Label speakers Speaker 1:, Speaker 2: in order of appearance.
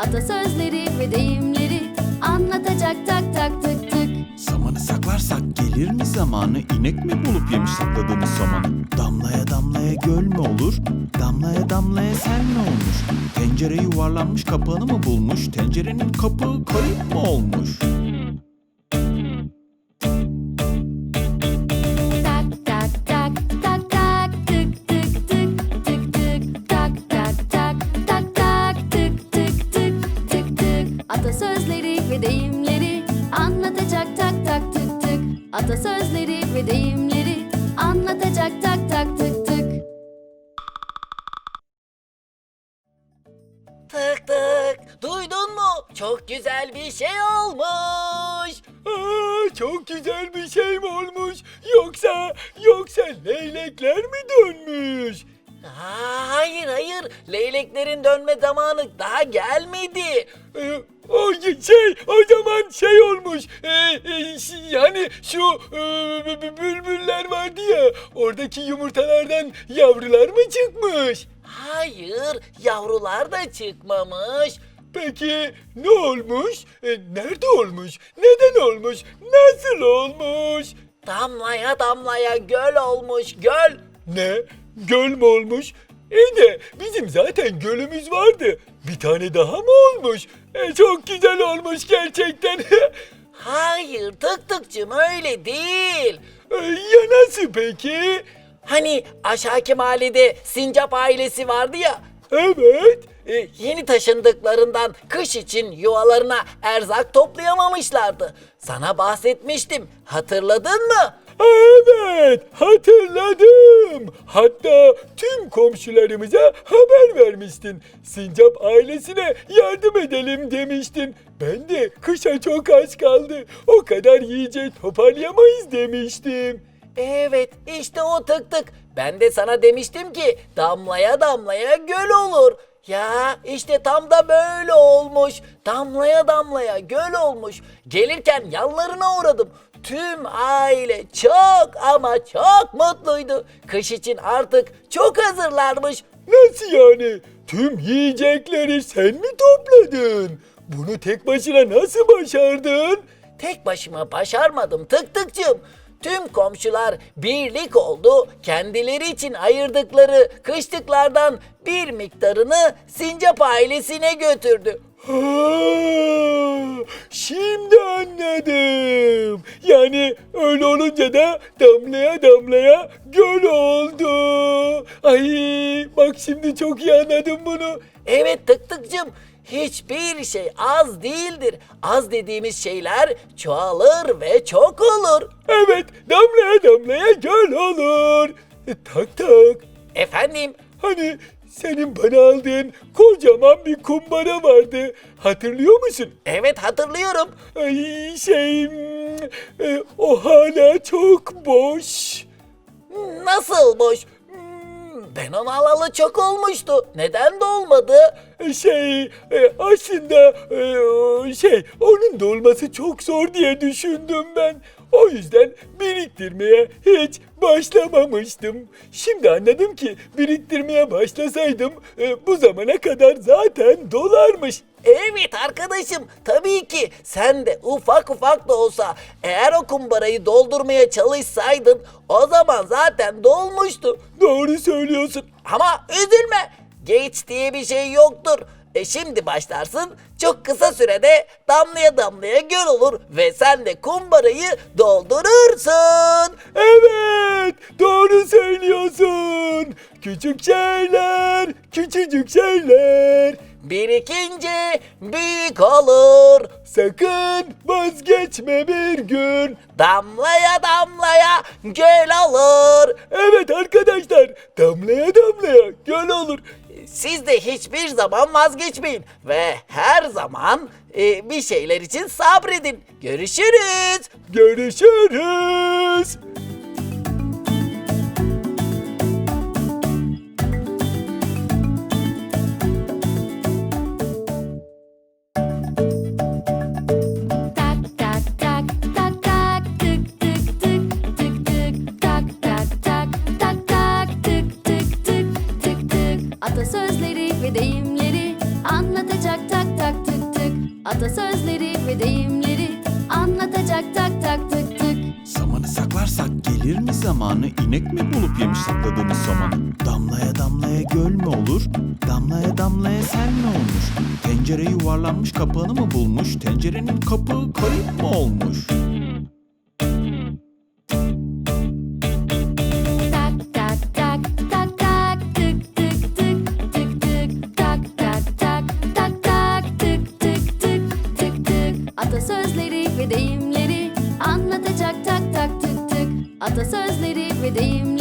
Speaker 1: Atasözleri ve deyimleri anlatacak tak tak tık tık.
Speaker 2: Samanı saklarsak gelir mi zamanı? İnek mi bulup yemiş sakladığımız samanı? Damlaya damlaya göl mü olur? Damlaya damlaya sel mi olmuş? Tencere yuvarlanmış kapağını mı bulmuş? Tencerenin kapağı kayıp mı olmuş?
Speaker 1: Tak tak tak tak tak tık tık tık tık tık tak tak tak tak tak tık tık tık tık tık. Atasözleri ve deyimleri anlatacak tak tak tık tık. Atasözleri ve deyimleri anlatacak tak tak tık tık.
Speaker 3: Tık tık. Duydun mu? Çok güzel bir şey olmuş.
Speaker 4: Çok güzel bir şey mi olmuş? Yoksa leylekler mi dönmüş?
Speaker 3: Hayır hayır. Leyleklerin dönme zamanı daha gelmedi.
Speaker 4: O zaman şey olmuş. Yani şu bülbüller vardı ya. Oradaki yumurtalardan yavrular mı çıkmış?
Speaker 3: Hayır. Yavrular da çıkmamış.
Speaker 4: Peki ne olmuş? Nerede olmuş? Neden olmuş? Nasıl olmuş?
Speaker 3: Damlaya damlaya göl olmuş göl.
Speaker 4: Ne? Göl mü olmuş? İyi de bizim zaten gölümüz vardı. Bir tane daha mı olmuş? Çok güzel olmuş gerçekten.
Speaker 3: Hayır tık tıkçım öyle değil.
Speaker 4: Ya nasıl peki?
Speaker 3: Hani aşağıki mahallede sincap ailesi vardı ya.
Speaker 4: Evet.
Speaker 3: Yeni taşındıklarından kış için yuvalarına erzak toplayamamışlardı. Sana bahsetmiştim. Hatırladın mı?
Speaker 4: Evet, hatırladım. Hatta tüm komşularımıza haber vermiştin. Sincap ailesine yardım edelim demiştin. Ben de kışa çok az kaldı. O kadar yiyecek toparlayamayız demiştim.
Speaker 3: Evet, işte o tık tık. Ben de sana demiştim ki damlaya damlaya göl olur. Ya işte tam da böyle olmuş. Damlaya damlaya göl olmuş. Gelirken yanlarına uğradım. Tüm aile çok ama çok mutluydu. Kış için artık çok hazırlarmış.
Speaker 4: Nasıl yani? Tüm yiyecekleri sen mi topladın? Bunu tek başına nasıl başardın?
Speaker 3: Tek başıma başarmadım tık tıkçım. Tüm komşular birlik oldu. Kendileri için ayırdıkları kışlıklardan bir miktarını sincap ailesine götürdü.
Speaker 4: Ha, şimdi anladım. Yani öyle olunca da damlaya damlaya göl oldu. Ay bak şimdi çok iyi anladım bunu.
Speaker 3: Evet tık tıkçım. Hiçbir şey az değildir. Az dediğimiz şeyler çoğalır ve çok olur.
Speaker 4: Evet damlaya damlaya göl olur. Tak tak.
Speaker 3: Efendim?
Speaker 4: Hani senin bana aldığın kocaman bir kumbara vardı. Hatırlıyor musun?
Speaker 3: Evet hatırlıyorum.
Speaker 4: Ay o hala çok boş.
Speaker 3: Nasıl boş? Ben onu alalı çok olmuştu. Neden dolmadı?
Speaker 4: Aslında onun dolması çok zor diye düşündüm ben. O yüzden biriktirmeye hiç başlamamıştım. Şimdi anladım ki biriktirmeye başlasaydım bu zamana kadar zaten dolarmış.
Speaker 3: Evet arkadaşım, tabii ki sen de ufak ufak da olsa eğer o kumbarayı doldurmaya çalışsaydın o zaman zaten dolmuştu.
Speaker 4: Doğru söylüyorsun.
Speaker 3: Ama üzülme, geç diye bir şey yoktur. Şimdi başlarsın, çok kısa sürede damlaya damlaya göl olur ve sen de kumbarayı doldurursun.
Speaker 4: Evet, doğru söylüyorsun. Küçük şeyler, küçücük şeyler.
Speaker 3: Birikince büyük olur.
Speaker 4: Sakın vazgeçme bir gün.
Speaker 3: Damlaya damlaya göl olur.
Speaker 4: Evet arkadaşlar, damlaya damlaya göl olur.
Speaker 3: Siz de hiçbir zaman vazgeçmeyin ve her zaman bir şeyler için sabredin. Görüşürüz.
Speaker 4: Görüşürüz.
Speaker 1: Tak tak tak tak tak tık tık tık tık tık tak tak tak tak tak tık tık tık tık tık. Atasözleri ve deyimleri anlatacak tak tak ve deyimleri anlatacak tak tak tık tık.
Speaker 2: Samanı saklarsak gelir mi zamanı? İnek mi bulup yemiş sakladığımız samanı? Damlaya damlaya göl mü olur? Damlaya damlaya sel mi olmuş? Tencere yuvarlanmış kapağını mı bulmuş? Tencerenin kapağı kayıp mı olmuş?
Speaker 1: Tak tak tak tak tak tık tık tık tık tık tak tak tak tak tak tık tık tık tık tık. Atasözleri ve deyimleri anlatacak tak tak tık tık. Atasözleri ve deyimleri